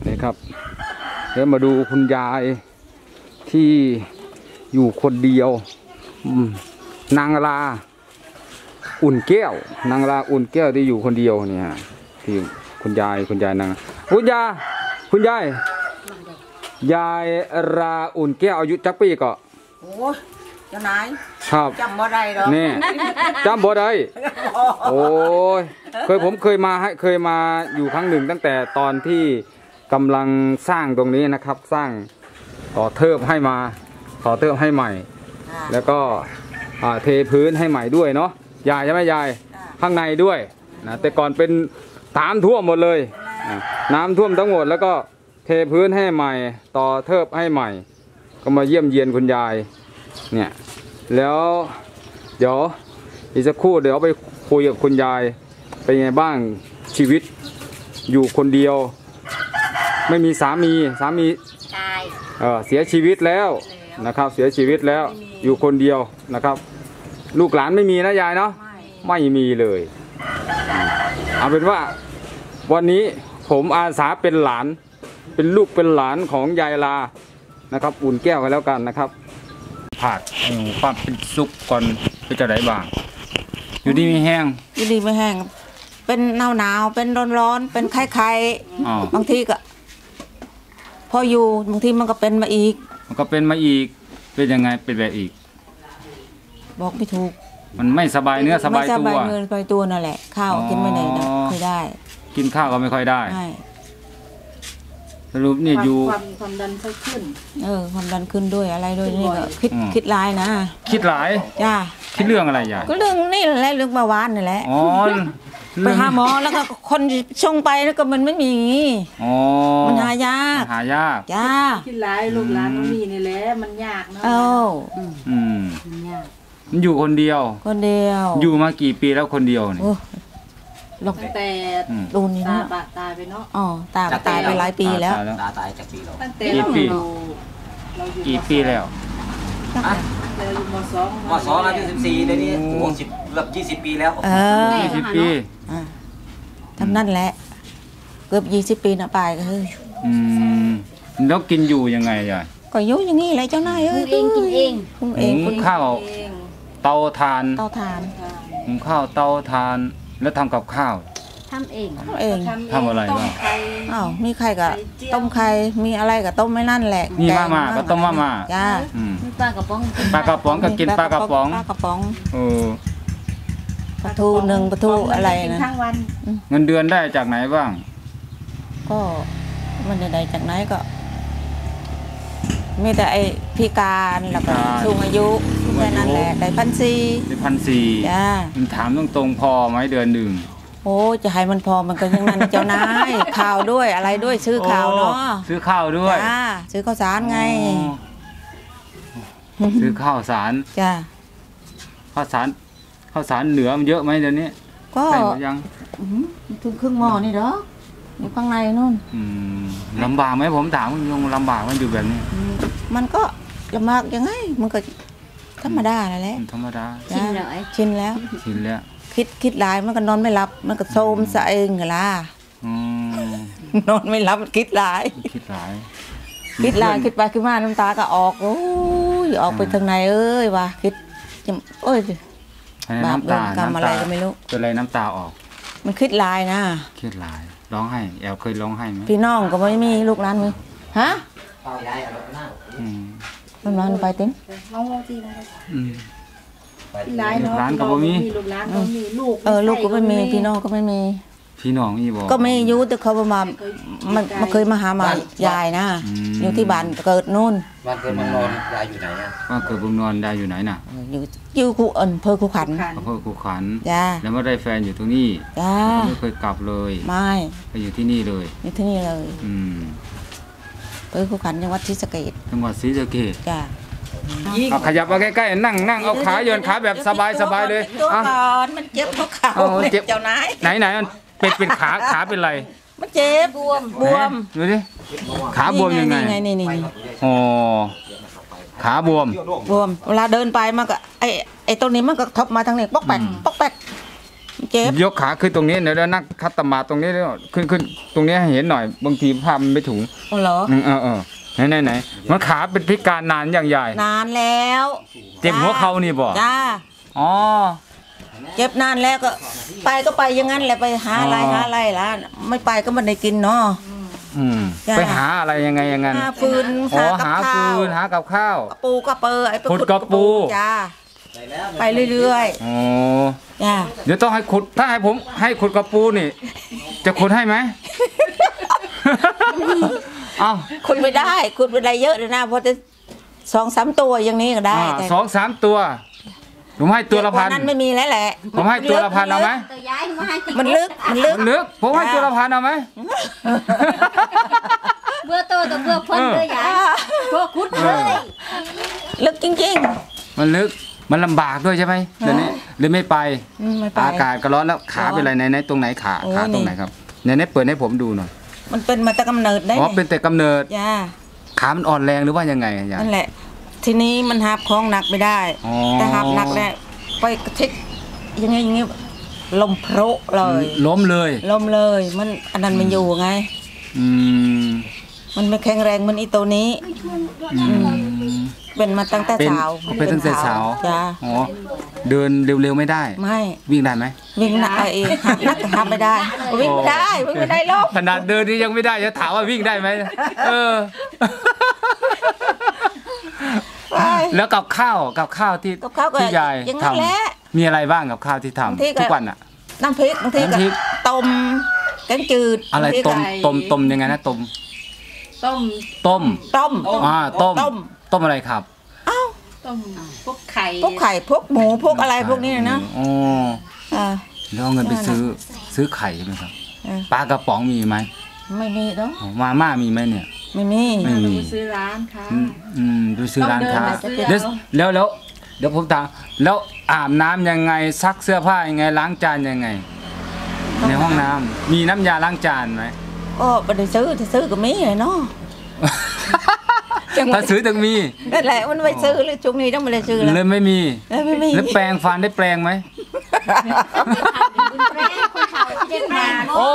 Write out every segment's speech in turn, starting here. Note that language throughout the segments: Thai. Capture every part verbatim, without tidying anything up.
นี่ครับเดี๋ยวมาดูคุณยายที่อยู่คนเดียวนางลาอุ่นแก้วนางลาอุ่นแก้วที่อยู่คนเดียวเนี่ยที่คุณยายคุณยายนางคุณยายคุณยายยายราอุ่นแก้วอายุจักปีก็โอ้ยเจ้านายครับจำบ่ได้หรอกนี่จำบ่ได้โอ้ยเคยผมเคยมาให้เคยมาอยู่ครั้งหนึ่งตั้งแต่ตอนที่กำลังสร้างตรงนี้นะครับสร้างต่อเทิบให้มาต่อเทิบให้ใหม่แล้วก็เทพื้นให้ใหม่ด้วยเนาะยายใช่ไหมยายข้างในด้วยนะแต่ก่อนเป็นน้ำท่วมหมดเลยน้ำท่วมทั้งหมดแล้วก็เทพื้นให้ใหม่ต่อเทิบให้ใหม่ก็มาเยี่ยมเยียนคุณยายเนี่ยแล้วเดี๋ยวอีกสักครู่เดี๋ยวไปคุยกับคุณยายเป็นไงบ้างชีวิตอยู่คนเดียวไม่มีสามีสามีเออเสียชีวิตแล้วนะครับเสียชีวิตแล้วอยู่คนเดียวนะครับลูกหลานไม่มีนะยายเนาะไม่มีเลยเอาเป็นว่าวันนี้ผมอาสาเป็นหลานเป็นลูกเป็นหลานของยายลานะครับอุ่นแก้วกันแล้วกันนะครับผัดความเป็นสุกก่อนก็จะได้บ้างอยู่ดีไม่แห้งอยู่ดีไม่แห้งเป็นหนาวหนาวเป็นร้อนร้อนเป็นไข้ไข้บางทีก็พออยู่บางทีมันก็เป็นมาอีกมันก็เป็นมาอีกเป็นยังไงเป็นแบบอีกบอกไม่ถูกมันไม่สบายเนื้อสบายตัวไม่สบายเนื้อสบายตัวนั่นแหละข้าวกินไม่ได้นะไม่ได้กินข้าวก็ไม่ค่อยได้สรุปนี่อยู่ความความดันขึ้นเออความดันขึ้นด้วยอะไรด้วยนี่ก็คิดคิดหลายนะคิดหลายจ้าคิดเรื่องอะไรยายก็เรื่องนี่แหละเรื่องเบาหวานนี่แหละอ๋อไปหาหมอแล้วก็คนชงไปแล้วก็มันไม่มีอ๋อมันหายากหายากจ้าคิดหลายลูกหลานมันมีนี่แหละมันยากเนาะเอออืมมันยากมันอยู่คนเดียวคนเดียวอยู่มากี่ปีแล้วคนเดียวเนี่ยตั้งแต่ดูนี่นะตาตายไปเนาะอ๋อตาตายไปหลายปีแล้วตาตายจากปีแล้วตั้งแต่กี่ปีกี่ปีแล้วเราอยู่มสองมสองอายุสิบสี่เดี๋ยวนี้โอ้สิบเกือบยี่สิบปีแล้วเออยี่สิบปีทำนั่นแหละเกือบยี่สิบปีนะปลายก็เฮ้ยอืมแล้วกินอยู่ยังไงยายก็ยุ่อย่างนี้เลยเจ้านายเอ้ยเองกินเองหุงเองหุงข้าวเตาถ่านเตาถ่านหุงข้าวเตาถ่านแล้วทำกับข้าวทำเองทำเองทำอะไรบ้างอ้าวมีไข่กับต้มไข่มีอะไรกับต้มไม่นั่นแหละมีมาม่าก็ต้มมาม่าจ้าปลากระป๋องปลากระป๋องก็กินปลากระป๋องปลากระป๋องเออปลาทูหนึ่งปลาทูอะไรนะเงินเดือนได้จากไหนบ้างก็มันได้จากไหนก็มีแต่ไอพิการแล้วก็สูงอายุแค่นั้นแหละได้พันสี่ได้พันสี่จ้ามันถามตรงๆพอไหมเดือนหนึ่งโอ้จะให้มันพอมันก็ยังนั้นเจ้านายข่าวด้วยอะไรด้วยซื้อข่าวเนาะซื้อข้าวด้วยจ้าซื้อข้าวสารไงซื้อข้าวสารจ้าข้าวสารข้าวสารเหนือมันเยอะไหมเดี๋ยวนี้ก็ยังถึงครึ่งหม้อนี่เหรออยู่ข้างในนู่นลำบากไหมผมถามคุณยงลำบากมันอยู่แบบนี้มันก็ลำบากยังไงมันก็ธรรมดาแหละธรรมดาชินแล้วชินแล้วชินแล้วคิดคิดหลายมันก็นอนไม่หลับมันก็โทมซะเองเหรออนอนไม่หลับคิดหลายคิดหลายคิดหลายคิดไปคิดมาน้ำตาก็ออกโอ้ยออกไปทางไหนเอ้ยว่ะคิดโอ้ยบาปเวรกรรมอะไรก็ไม่รู้เป็นอะไรน้ำตาออกมันคิดหลายนะคิดหลายร้องไห้แอลเคยร้องไห้ไหมพี่น้องก็ไม่มีลูกหลานมึงฮะลูกหลานไปติ้งน้องจีนะลูกหลานก็บ่มีลูกหลานก็มีลูกเออลูกก็ไม่มีพี่น้องก็ไม่มีพี่น้องอีบอกก็ไม่ยุแต่เขาประมาณมันมาเคยมาหามายายนะอยู่ที่บ้านเกิดนู่นบ้านเกิดเมืองนอนยายอยู่ไหนอ่ะบ้านเกิดเมืองนอนยายอยู่ไหนน่ะอยู่อยู่คูเอิญเพอคูขันเพอคูขันจ้าแล้วไม่ได้แฟนอยู่ตรงนี้จ้าไม่เคยกลับเลยไม่ไปอยู่ที่นี่เลยอยู่ที่นี่เลยอืมเพอคูขันจังหวัดศรีสะเกษจังหวัดศรีสะเกษจ้าเอาขยับมาใกล้ๆนั่งนั่งเอาขาโยนขาแบบสบายสบายเลยตัวก่อนมันเจ็บเพราะขาเจ้านายไหนไหนมันเป็นเป็นขาขาเป็นไรมันเจ็บบวมบวมดูดิขาบวมยังไงนี่นี่นี่อ๋อขาบวมบวมเวลาเดินไปมันก็ไอไอตรงนี้มันก็ทบมาทางนี้ปอกแปกปอกแปกเจ็บยกขาขึ้นตรงนี้เดี๋ยวนักคัตตมาตรงนี้ด้วยขึ้นขึ้นตรงนี้ให้เห็นหน่อยบางทีภาพมันไม่ถุงอ๋อเหรออืมเออเออไหนไหนไหนมันขาเป็นพิการนานอย่างใหญ่นานแล้วเจ็บหัวเข่านี่บ่จ้าอ๋อเจ็บนานแล้วก็ ไปก็ไปอย่างนั้นแหละไปหาอะไรอ๋อหาอะไรล่ะไม่ไปก็ไม่ได้กินเนาะอืมจ้ะไปหาอะไรยังไงอย่างนั้นหาฟืนอ๋อหากับหาข้าฟืวนหากับข้าวกระปูกระเปอไอ้ไปขุดขุดกระปูจ้าไปเรื่อยอ๋อๆจ้าเดี๋ยวต้องให้ขุดถ้าให้ผมให้ขุดกระปูนี่ จะขุดให้ไหม เอ้าขุดไม่ได้ขุดไม่ได้เยอะเลยนะเพราะจะสองสามตัวอย่างนี้ก็ได้อ่าแต่สองสามตัวผมให้ตัวละพันนั้นไม่มีแล้วแหละผมให้ตัวละพันเอาไหมตัวย้ายมาให้มันลึกมันลึกมันลึกผมให้ตัวละพันเอาไหมเบื่อโตตัวเบื่อพ้นเออเบื่อย้ายพวกคุดเลยลึกจริงมันลึกมันลำบากด้วยใช่ไหมเดี๋ยวนี้เลยไม่ไปๆอืมไม่ไปอากาศก็ร้อนแล้วขาเป็นไรไหนไหนตรงไหนขาโอ้ขาตรงไหนนี่ครับไหนไหนเปิดให้ผมดูหน่อยมันเป็นมาแต่กำเนิดได้อ๋อเป็นแต่กำเนิดจ้าขามันอ่อนแรงหรือว่ายังไงอะยายนั่นแหละ ทีนี้มันหับของหนักไม่ได้อ๋อแต่หับหนักแล้วไปกระทิกยังไงอย่างงี้ลมโพรเลยล้มเลยลมเลย มันอันนั้นมันอยู่ไงอืมมันไม่แข็งแรงเหมันอีตัวนี้อืมเป็นมาตั้งแต่เป็นสาวเป็นตั้งแต่สาวจ้าอ๋อเดินเร็วๆไม่ได้ไม่วิ่งได้ไหมวิ่งหนักเองหับหนักก็หับไม่ได้ วิ่งไม่ได้วิ่งไม่ได้ลมขนาดเดินนี่ยังไม่ได้จะถามว่าวิ่งได้ไหมเออไปแล้วกับข้าวกับข้าวที่กับข้าวก็ที่ยายอย่างนั้นทำแหละมีอะไรบ้างกับข้าวที่ทำบางทีก็ทุกวันอ่ะน้ำพริกบางทีก็น้ำพริกต้มแกงจืดอะไรบางทีก็ต้มต้มต้มยังไงนะต้มต้มต้มต้มอ่าต้มต้มต้มอะไรครับอ้าวต้มพวกไข่พวกไข่พวกหมูพวกอะไรพวกนี้นะอ๋ออ่าแล้วเอาเงินไปซื้อซื้อไข่ใช่ไหมครับเออปลากระป๋องมีไหมไม่มีเนาะอ๋อมาม่ามีไหมเนี่ยไม่มีไม่มีซื้อร้านค่ะอืมอืมดูซื้อร้านค้าต้องเดินไปซื้อเดี๋ยวแล้วแล้วเดี๋ยวผมถามแล้วอาบน้ำยังไงซักเสื้อผ้ายังไงล้างจานยังไง ในห้องน้ำมีน้ำยาล้างจานไหมก็ไปได้ซื้อถ้าซื้อก็มีเลยเนาะ จังหวะถ้าซื้อถึงมีนั่นแหละมันไปซื้อเลยช่วงนี้ต้องไปเลยซื้อแล้วเลยไม่มีแล้วไม่มีแล้วแปรงฟันได้แปรงไหมแม่คนเขาเจ็บมาโอ้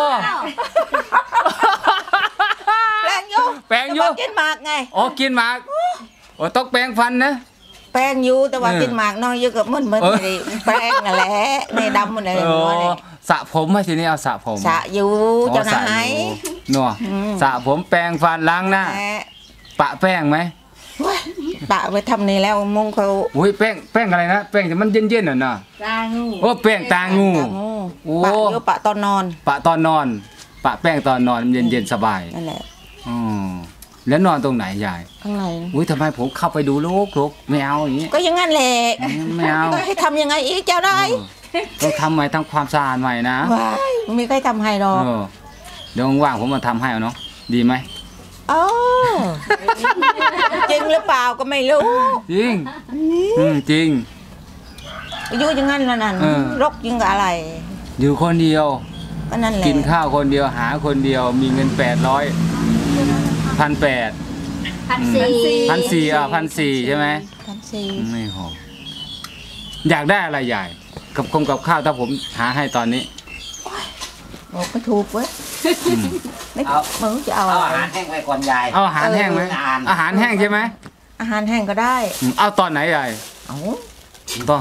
แปลงอยู่แปรงอยู่แต่ว่ากินหมากไงอ๋อกินหมากโอ้ต้องแปรงฟันนะแปลงอยู่แต่ว่าเออกินหมากน้อยเยอะกับมันมันเออไม่ได้แปลงนั่นแหละในดำมันเลยโอ้หัวเนี่ยสระผมไหมทีนี้เอาสระผมสระอยู่อ๋อเจ้าสระนายอยู่นัวอืมสระผมแปรงฟันล้างหน้าแหมปะแป้งไหมเว้ยปะไปทำนี่แล้วมุงเขาโอ้ยแป้งแป้งอะไรนะแป้งที่มันเย็นๆน่ะนะตางูโอ้แป้งตางูปะงูโอ้ปะเดี๋ยวปะตอนนอนปะตอนนอน ปะแป้งตอนนอนเย็นๆสบายนั่นแหละอ๋อแล้วนอนตรงไหนยายข้างในอุ้ยทำไมผมเข้าไปดูลูกลูกไม่เอาอย่างนี้ก็อยังงั้นแหละอืมไม่เอาก็ให้ทำยังไงอีกเจ้าได้เออต้องทำใหม่ทำความสะอาดใหม่นะว้ายไม่มีใครทำให้หรอกเออเดี๋ยวว่างๆผมมาทำให้เอาเนาะดีไหมโอ้จริงหรือเปล่าก็ไม่รู้จริงอืมจริงอายุอยังงั้นแล้วนั่นเออรกยิ่งกับอะไรอยู่คนเดียวก็นั่นแหละกินข้าวคนเดียวหาคนเดียวมีเงินแปดร้อยพันแปดพันสี่พันสี่อ่ะพันสี่ใช่ไหมพันสี่ไม่พออยากได้อะไรใหญ่ กับคงกับข้าวถ้าผมหาให้ตอนนี้บอกไม่ถูกเว้ยอืมไม่เอาไม่รู้จะเอาเอาอะอาไรหารแห้งไว้ก่อนยายเอาอาหารแห้งไหมเอออ่านอาหารแห้งใช่ไหมอาหารแห้งก็ได้อืมเอาตอนไหนใหญ่เอาต้อง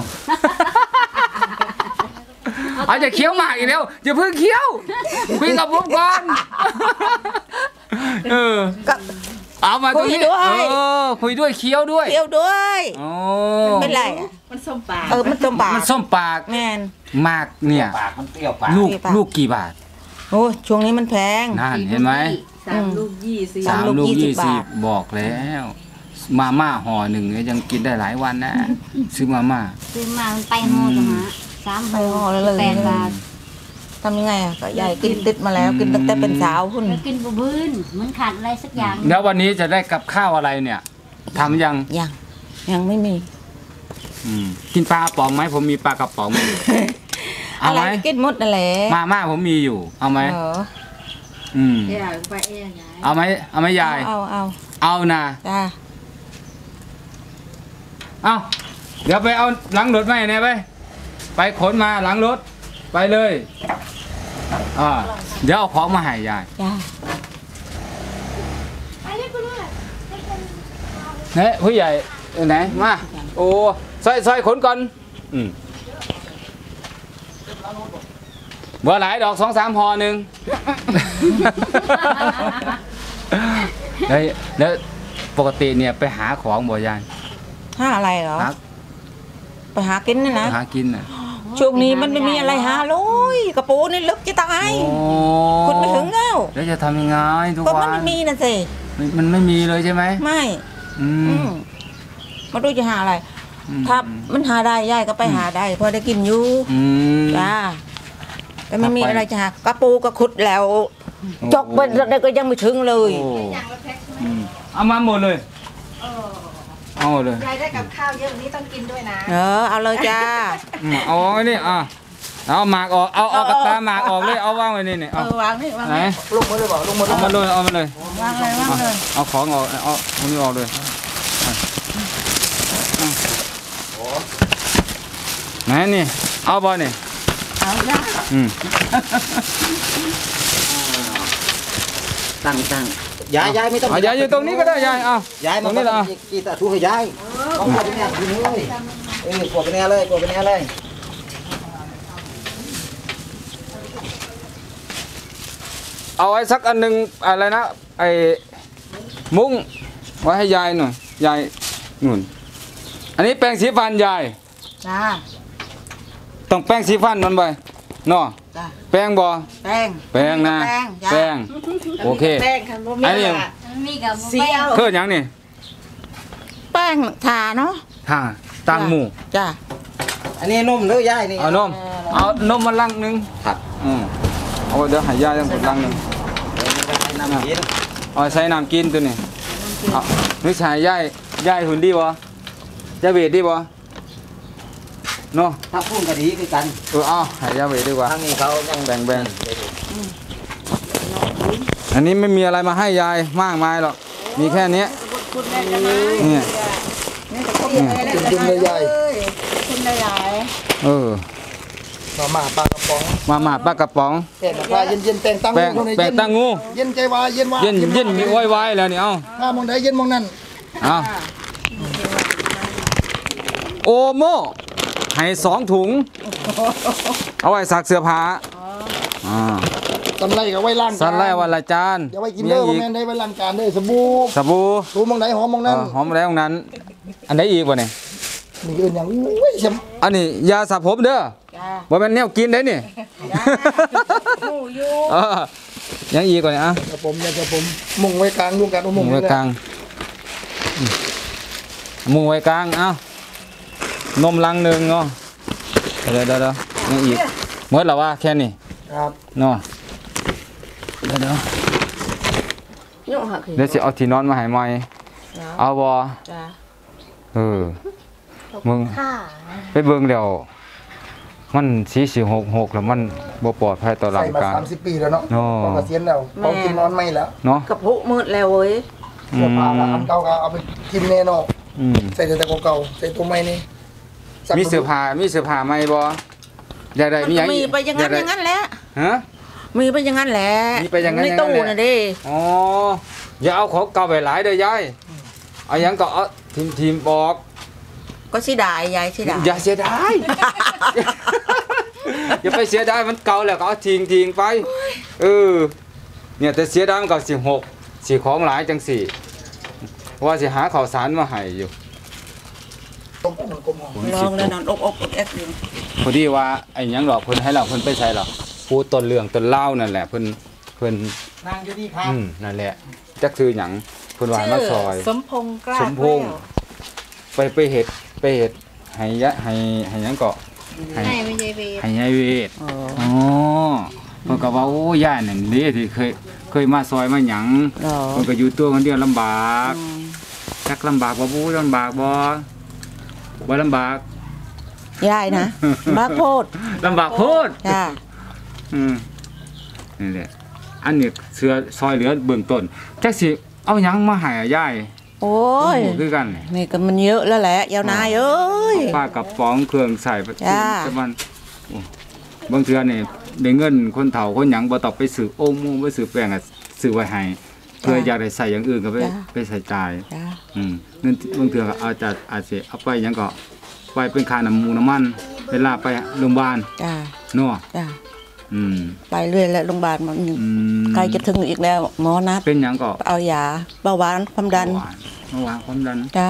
เอาจะเคี้ยวหมากอีกแล้วอย่าเพิ่งเคี้ยวคุยกับผมก่อนเออก็เอามาตรงนี้คุยด้วยเออคุยด้วยเคี้ยวด้วยเที่ยวด้วยโอ้เป็นไรอะมันส้มปลาเออมันจมปากมันส้มปากแม่นหมากเนี่ยปากมันเปรี้ยวปากลูกเปรี้ยวปากลูกกี่บาทโอ้ช่วงนี้มันแพงนั่นเห็นไหมสามลูกยี่สิบสามลูกยี่สิบบาทบอกแล้ว มาม่าห่อหนึ่งเนี่ยยังกินได้หลายวันนะ ซื้อมาม่าซื้อมามันไปห่อจังฮะสามไปห่อแล้วเลยแปดบาททำยังไงอะก็ยายกินติดมาแล้วกินตั้งแต่เป็นสาวหุ่นแล้วกินบะบืนมันขาดอะไรสักอย่างแล้ววันนี้จะได้กับข้าวอะไรเนี่ยทำยังยังยังไม่มีอืมกินปลากระป๋องไหมผมมีปลากระป๋องอยู่เอาอะไรไหมกินหมดนั่นแหละมาม่าผมมีอยู่ เอาไหมเอออืมเดี๋ยวไปเองไงเอาไหมเอาไหมยายเอาเอาเอานะจ้าเอาเดี๋ยวไปเอาหลังรถไหมเนี่ยไป ไปขนมาหลังรถ ไปไปเลยอ่าเดี๋ยวเอาของมาให้ยายจ้าเนี่ยผู้ใหญ่อยู่ไหนมาโอ้ซอยซอยขนก่อนอืมเบอร์หลายดอกสองสามห่อหนึ่ง แล้วแล้วปกติเนี่ยไปหาของบ่ยายห้าอะไรเหรอหาไปหากินนะนะหากินน่ะช่วงนี้มันไม่มีอะไรหาเลยกระปูนี่ลึกจะตายโอ้ขุดไม่ถึงแล้วแล้วจะทำยังไงทุกก็วัมันนไม่มีนะสิมันมันไม่มีเลยใช่ไหมไม่อือืมมมาดูจะหาอะไรอืมถ้ามันหาได้ยายก็ไปหาได้พอได้กินอยู่อืมจ้าแต่ไม่มีเอาไปอะไรจะหากระปูก็ขุดแล้วโอ้จกไปได้ก็ยังไม่ถึงเลยโอ้อืมเอามาหมดเลยเอาหมดเลยยายได้กับข้าวเยอะนี้ต้องกินด้วยนะเออเอาเลยจ้าอืมเอาไว้นี่อ่ะเอาหมากออกเอาเอากระตาหมากออกเลยเอาวางไว้นี่นี่เอเอาอวางนี่วางไหนนี่ลงมาเลยบอกลงมาเอามาเลยเอามาเลยวางเลยวางเลยเอาของออกเอาเอานี่ออกเลยอ่ะอ่ะไหนนี่เอาบ่นี่เอาจ้าอืมตั้งตั้งยายยายไม่ต้องเอายายอยู่ตรงนี้ก็ได้ยายเอายายตมัรนงนี้ละเอากีตาทูให้ยายเอากดไปเนี่ยทีนี้เลยเออกดไปเนี่ยเลยกดไปเนี่ยเลยเอาไว้สักอันหนึงอะไรนะไอ้มุ้งไว้ให้ยายหน่อยยายนู่นอันนี้แปรงสีฟันยายจ้าต้องแป้งสีฟันมันไปเนาะจ้าแป้งบ่แป้งแป้งนะแป้งจ้ะแป้งโอเคแป้งค่ะบ่มีอันนี้อะมีกับเสียวเพื่อหยังนี่แป้งทาเนาะห่าตังหมูจ้าอันนี้นุ่มเด้อยายนี่เอานมเอานมมาลังหนึงครับอืมเอาเดี๋ยวให้ยายตั้งลังหนึงน้ำกินเอาใส่น้ำกินตัวนี้เอานึกใส่ยายยายหุ่นดีบ่ยายเวทดีบ่เนาะถ้าพุ่งกะดีคือกันเออเอาให้ยายเวทดีกว่าทางนี้เขายังแบ่งแบ่งอันนี้ไม่มีอะไรมาให้ยายมากมายหรอกมีแค่เนี้ยเนี่ยจุ่มๆเลยยายคุณหลายเออมาม่าปลากระป๋องมาม่าปลากระป๋องแป้งปลาเย็นๆแป้งตั้งแป้งคนไหนแป้งตั้งงูเย็นใจวายเย็นวาเย็นเย็นมีอ้อยไว้แล้วนี่เอาถ้ามองไหนเย็นมองนั่นเอาโอโม่ให้สองถุง เอาไว้ซักเสื้อผ้าอ่าสันไล่กับไว้ล้างจานสันไล่วันละจานอย่าไว้กินเด้อมีบ่อีกแม่นได้ไว้ล้างจานเด้อสบู่สบู่รู้มองไหนหอมมองเอนั่นอหอมแล้วนั้น อันไหนอีกวะเนี่ยนี่อื่นอย่างอุ้ยเสียมอันนี้ยาสระผมเด้อๆจ้าบ่แม่นแนวกินได้นี่หมูอยู่เออยังอีกกว่านี้อ่ะกระผมอยากกระผมมุงไว้กลางมุงกันเอามุมุงงไว้กลางอืมมุงไว้กลางเอ้า นมลังหนึ่งเนาะเดี๋ยวเดี๋ยวเดี๋ยวยังอีกหมดแล้วว่าแค่นี้ครับเนาะเดี๋ยวเดี๋ยวยุ่งหักเดี๋ยวสิเอาที่นอนมาให้ใหม่เอาบ่จ้าเออมึงไปเบิ่งเดี๋ยวมันสีสิหกหกแล้วมันบ่ปลอดภัยต่อร่าใส่งมากายสามสิบปีแล้วเนาะโอ้พอเกษียณแล้วพอกินนอนไม่แล้วเนาะกระพุมืดแล้วเว้ยอืเสื้อมผ้าละอันเก่าก็เอาไปกินแน่เนอนอืมใส่แต่เก่าๆใส่ตัวใหม่นี่สักมีเสื้อผ้ามีเสื้อผ้าใหม่บ่อยากได้มีหยังมีไปอย่างนั้นกด้อย่างนั้นแหละฮะมีไปอย่างนั้นแหละมีไปอย่างนั้นในอย่างนั้นตู้แหละน่ะดิอ๋ออย่าเอาของเก่าไปหลายเด้อยายเอาหยังก็เอาทีมทีมบอกก็เสียดายยายเสียดายอย่าเสียดาย อย่าไปเสียดายมันเก่าแล้วก็เอาทิ้งทิ้งไปเออเนี่ยแต่เสียดายมันก็สิหกสิของหลายจังสี่ว่าสิหาข้าวสารมาให้อยู่ต้มมันกลมหอมลองเลยนอนอกอกอกแอกอยู่พอดีว่าไอ้หยังหรอกเพิ่นให้เราเพิ่นไปใส่หรอกปูต้นเรื่องต้นเล่าวนั่นแหละเพิ่นเพิ่นนางอยู่ดีครับอืมนั่นแหละจักคือหยังเพิ่นว่าให้มาซอยสมพงษ์กล้าสมพงษ์ไปไปเฮ็ดไปเฮ็ดให้ยะให้ให้หยังก็ให้ให้ไม่ใช่เวรให้ยายเวทอ๋ออ๋อเพิ่นก็ว่าโอ้ย่านั่นเด้ที่เคยเคยมาซอยมาหยังเหรอเพิ่นก็อยู่ตัวคนเดียวลำบากจักลำบากบ่บูลำบากบ่บ่ลำบากยายนะบ้าโพดลำบากโพดจ้าอืมนี่แหละอันนี้เสือซอยเหลือเบื้องต้นจักสิเอาหยังมาให้อะยายโอ้ยโอ้คือกันนี่ก็มันเยอะแล้วแหละยาวนายเอ้ยป้ากระป๋องเครื่องใส่ประจ้าจำวันโอ้บางเทื่อนี่ได้เงินคนเฒ่าคนหยังบ่ต้องไปซื้อโอ้มไปซื้อแป้งอ่ะซื้อไว้ให้เพื่ออยากได้ใส่อย่างอื่นก็ไปไปใส่จ่ายจ้าอืมนั่นบางเทื่อก็อาจจะอาจสิเอาไปหยังก็ไปเป็นค่าน้ำมูกน้ำมันเวลาไปโรงพยาบาลจ้าเนาะจ้าอืมไปเรื่อยแล้วโรงพยาบาลมันอืมใกล้จะถึงอีกแล้วหมอนัดเป็นหยังก็เอายาเบาหวานความดันเบาหวานเบาหวานความดันจ้า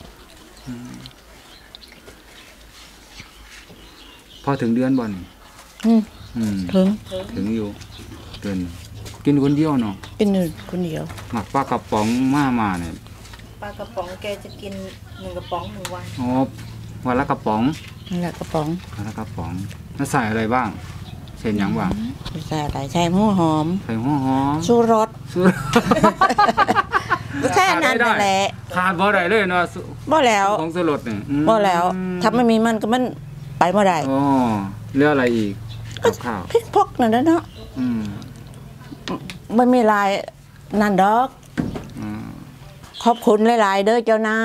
พอถึงเดือนบ่นี่อืมอืมถึงถึงอยู่เดือนกินคนเดียวเนาะเป็นหนึ่งคนเดียวหมักปลากระป๋องมามาเนี่ยปลากระป๋องแกจะกินหนึ่งกระป๋องหนึ่งวันอ๋อวันละกระป๋องนั่นแหละกระป๋องวันละกระป๋องแล้วใส่อะไรบ้างเช่นหยังบ้างใส่อะไรใส่หัวหอมใส่หัวหอมชูรสสุดก็แค่นั้นนั่นแหละขาดบ่ได้เลยเนาะสุบ่แล้วของสลดเนี่ยอืมบ่แล้วถ้าไม่มีมันก็มันไปบ่ได้อ๋อเรื่องอะไรอีกกับข้าวพริกพกนั่นนะเนาะอืมไม่มีลายนั่นดอกอืมขอบคุณหลายๆเด้อเจ้านาย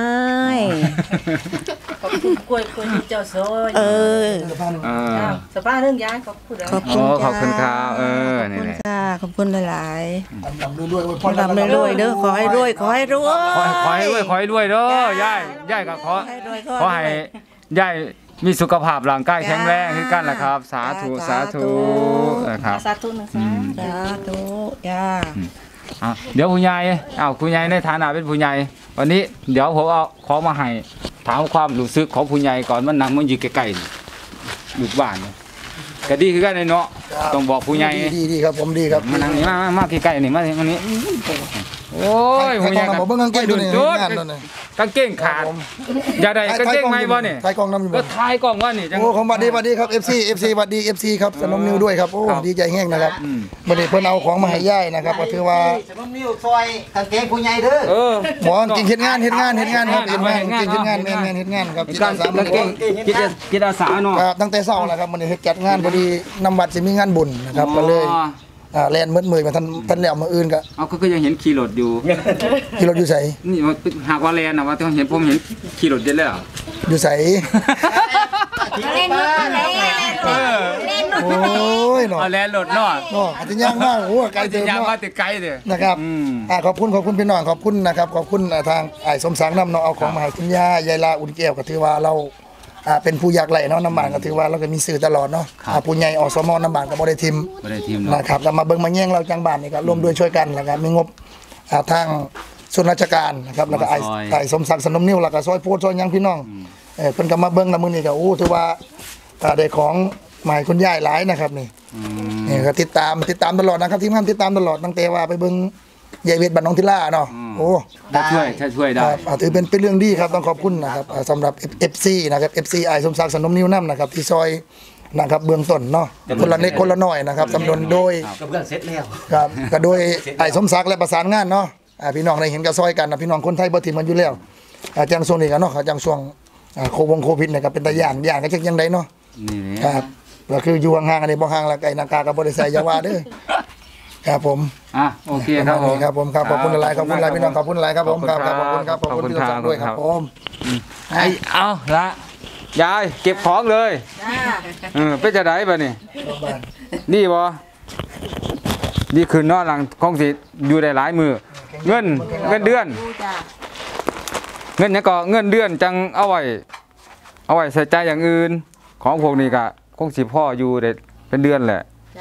ขอบคุณกล้วยกล้วยที่เจ้าโซ่เออเออสภาพเรื่องย้ายขอบคุณขอบคุณอ๋อจ้าขอบคุณครับเออขอบนี่คุณแหละค่ะขอบคุณหลายดำๆรวยๆอวยพๆรดำรวยๆเด้อขอให้รวยขอให้รวยขอให้ขอให้รวยขอให้รวยเด้อยายยายก็ขอขอให้รวยขอให้ยายมีสุขภาพร่างกายแข็งแรงขึ้นกันแหละครับ สาธุสาธุนะครับสาธุหนึ่งสาสาธุจ้าอ่ะเดี๋ยวผู้ใหญ่อ้าวผู้ใหญ่ในฐานะเป็นผู้ใหญ่วันนี้เดี๋ยวผมเอาของมาให้ถามความรู้สึกของผู้ใหญ่ก่อนมันนั่งมันอยู่ใกล้ๆนี่ลูกบ้านนี่ก็ดีคือกันเลยเนาะต้องบอกผู้ใหญ่ดีดีครับผมดีครับมานั่งนี่มามามาใกล้ๆนี่มามานี่โอ้ยผู้ใหญ่ใครกองนำบ่เบิ่งกางเกงตัวนี้จุดงานตัวนี้กางเกงขาดอย่าได้กางเกงไหมบ่นี่ไทยกองน้ำอยู่ก็บ่ทายกล้องว่านี่จังโอ้ของบัดดีบัดดีครับ เอฟ ซี เอฟ ซี บัดดี เอฟ ซี ครับสนมนิวด้วยครับโอ้ครับดีใจแห้งนะครับอืมบัดนี้เพิ่นเอาของมาให้ย่ายนะครับก็ถือว่าสมนิ้วซอยกางเกงผู้ใหญ่เด้อเออหมอกินเฮ็ดงานเฮ็ดงานเฮ็ดงานครับเฮ็ดงานเฮ็ดงานกินเฮ็ดงานแม่นๆเฮ็ดงานครับการกางเกงจิตอาจิตอาสาเนาะครับตั้งแต่เช้าแล้วครับมื้อนี้เฮ็ดจัดงานพอดีนำบัตรสิมีงานบุญนะครับก็เลยอ๋ออ่าแล่นมืดมือมาทันทันแล้วมื้ออื่นก็เอาก็ก็ยังเห็นขี่รถอยู่ขี่รถอยู่ไสนี่มันหากว่าแลนนะว่าต้องเห็นผมเห็นขี่รถเยอะแล้วอยู่ไสเล่นนู่นเล่นเออโอ้ยเนาะเอาแลนรถเนาะเนาะอาจจะย่างมากโอ้ไกลจะเติมยางเนาะมาติดไกลเด้อนะครับอืมอ่าขอบคุณขอบคุณพี่น้องขอบคุณนะครับขอบคุณอ่าทางไอ้ายสมศักดิ์นำเนาะเอาของมาให้คุณย่ายายลาอุ่นแก้วก็ถือว่าเราอ่าเป็นผู้ยากไร้เนาะน้ำบานก็ถือว่าเราก็มีสื่อตลอดเนาะอ่าผู้ใหญ่อสมน้ำบานก็บ่ได้ทิมบ่ได้ทีมเนาะนะครับแล้วมาเบิ่งมาแย่งเราจังบ้านนี่ก็ร่วมด้วยช่วยกันแล้วก็มีงบอ่าทางส่วนราชการนะครับแล้วก็ไอ้ไอ้ายสมศักดิ์สนมนิ้วแล้วก็ซอยโพดซอยหยังพี่น้องเออเพิ่นก็มาเบิ่งแล้วมื้อนี้ก็โอ้ถือว่าอ่าได้ของมาให้คุณยายหลายนะครับนี่อืมนี่ก็ติดตามติดตามตลอดนะครับทีมงานติดตามตลอดตั้งแต่ว่าไปเบิ่งยายเวทบ้านน้องทิล่าเนาะโอ้ถ้าช่วยถ้าช่วยได้ครับอ่าถือเป็นเป็นเรื่องดีครับต้องขอบคุณนะครับอ่าสำหรับ เอฟ ซี นะครับ เอฟ ซี ไอสมศักดิ์สนมนิ้วน้ำนะครับที่ซอยนะครับเบื้องต้นเนาะคนละเล็กคนละน้อยนะครับสำนวนโดยกับเรื่องเสร็จแล้วครับก็โดยไอสมศักดิ์และประสานงานเนาะอ่าพี่น้องได้เห็นก็ซอยกันนะพี่น้องคนไทยบ่ถิ่มมันอยู่แล้วอาจังช่วงนี้กันเนาะจังช่วงอ่าโควงโควิดเนี่ยก็เป็นตาย่านย่านก็จักยังไดเนาะนี่ครับก็คืออยู่ห่างๆอันนี้บ่ห่างแล้วไก่หนากากก็บ่ได้ใส่อยาว่าเด้อครับผมอ่ะโอเคครับผมครับผมครับขอบคุณหลายๆขอบคุณหลายพี่น้องขอบคุณหลายครับผมครับครับขอบคุณครับขอบคุณที่รับด้วยครับผมไอ้เอาละยายเก็บของเลยเออเป็นจะได้ป่ะนี่นี่บ่นี่คือนอนหลังของสิอยู่ได้หลายมือเงินเงินเดือน เงินเนี้ยก็เงินเดือนจังเอาไว้เอาไว้ใส่ใจอย่างอื่นของพวกนี้ก็คงสิพ่ออยู่ได้เป็นเดือนแหละ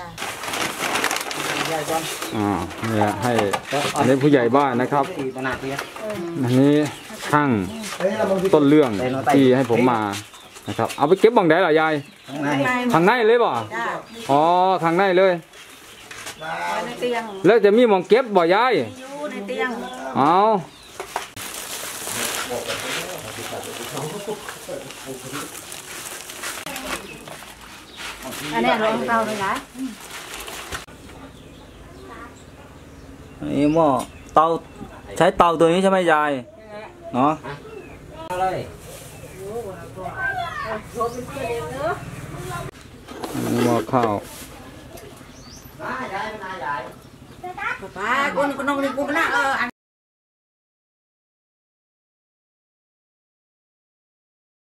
อ่าเนี่ยให้อันนี้ผู้ใหญ่บ้านนะครับขนาดนี้อันนี้ช่างต้นเรื่องที่ให้ผมมานะครับ เอาไปเก็บบังได้เหรอยายข้างในข้างในเลยบ่อ๋อข้างในเลยในเตียงแล้วจะมีหมองเก็บบ่ยายอยู่ในเตียงเอาอันนี้รองเท้าเลยนะนี่หม้อเตาใช้เตาตัวนี้ใช่ไหมยายเนาะเลยหม้อข้าวป้าคนคนน้องนี่กูนะเออ